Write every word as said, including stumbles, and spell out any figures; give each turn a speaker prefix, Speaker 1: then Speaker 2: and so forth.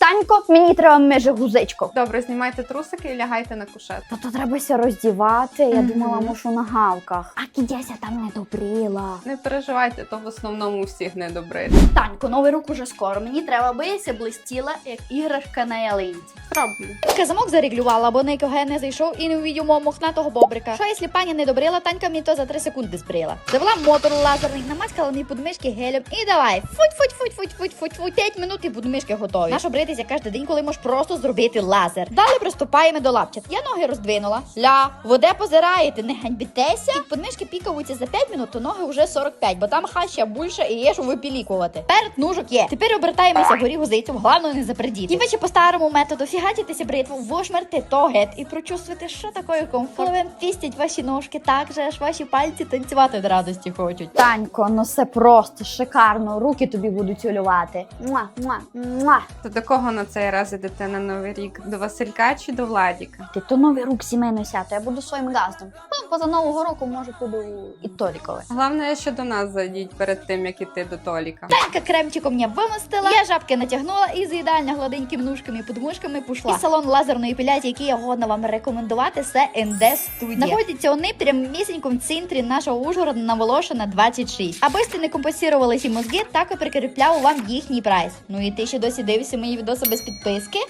Speaker 1: Танько, мені треба меже гузичко.
Speaker 2: Добре, знімайте трусики і лягайте на кушет.
Speaker 1: Та то требася роздівати, я
Speaker 2: Мгм.
Speaker 1: думала, мушу на гавках. А кідяся там не добрила.
Speaker 2: Не переживайте, то в основному всіх не добре.
Speaker 1: Танько, новий рік уже скоро. Мені треба, аби я блистіла, як іграшка на ялинці.
Speaker 2: Зроблю.
Speaker 3: Танька замок зарегулювала, бо ніякого не зайшов і не увидів мого мохнатого бобрика. Що, якщо пані не добрила, Танька мені то за три секунди збрила. Завела мотор лазерний, намаскала мені подмишки гелем і давай. Футь, футь, футь, футь, футь, футь, футь, п'ять минут і подмишки готові. Нащо бритися кожен день, коли можеш просто зробити лазер. Далі приступаємо до лапчат. Я ноги роздвинула. Ля, воде позираєте, не ганьбітеся. Як подмишки пікаються за п'ять минут, то ноги вже сорок п'ять, бо там хаща більше і є що випілікувати. Перед ножок є. Тепер обертаємося горі гузицю, головне не запердіти. І ви ще по старому методу фігатитеся бритву, вошмерти то гет і прочувствуйте, що такое комфорт. Коли вам пістять ваші ножки, так же аж ваші пальці танцювати від радості хочуть.
Speaker 1: Танько, ну все просто шикарно. Руки тобі будуть улювати. Муа, муа, муа.
Speaker 2: То до кого на цей раз ідете на Новий рік? До Василька чи до Владіка?
Speaker 1: Ти то новий рук сімейно сято, я буду своїм газдом. Ну, поза нового року, може, буду і Толікове.
Speaker 2: Головне, що до нас зайдіть перед тим, як іти до Толіка.
Speaker 3: Танька кремчиком мене вимостила, я жабки натягнула і з ідеально гладенькими ножками і подмишками пішла. І салон лазерної епіляції, який я годна вам рекомендувати, це ен де Studio. Знаходяться вони прямо в місенькому центрі нашого Ужгорода на Волошина двадцять шість. Аби сте не компенсували ці мозги, так і прикріпляв вам їхній прайс. Ну і ти ще досі дивишся мої відоси без підписки?